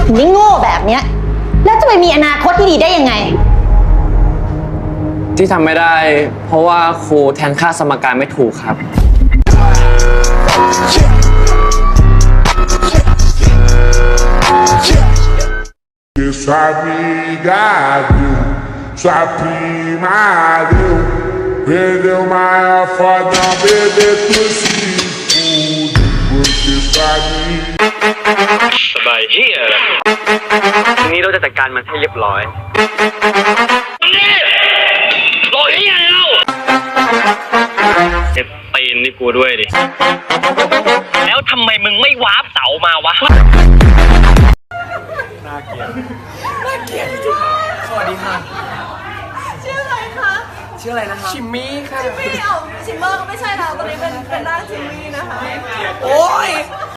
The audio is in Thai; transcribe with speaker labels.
Speaker 1: ถึงได้โง่แบบเนี้ยแล้วจะไปมีอนาคตที่ดีได้ยังไง
Speaker 2: ที่ทำไม่ได้เพราะว่าครูแทนค่าสมการไม่ถูกครับ
Speaker 3: Isso amiga viu, sua prima deu, vendeu maior fodão, bebê tu se fude, porque sabe.
Speaker 2: สบายเฮียทีนี้เราจะจัดการมันให้เรียบร้อยรอที่ไงเราเจ็บตีนนี่กูด้วยดิแล้วทำไมมึงไม่วาร์ปเสามาวะน่าเกลียดจริงสวัสดีค่ะ
Speaker 4: ชื่ออะไรคะ
Speaker 2: ชื่ออะไรนะครับชิมมี่ค่ะ
Speaker 4: ชิมมี่ชิมเมอร์ก็ไม่ใช่แล้วตอนนี้เป็นร่างชิมมี่นะคะ
Speaker 2: โอ้ย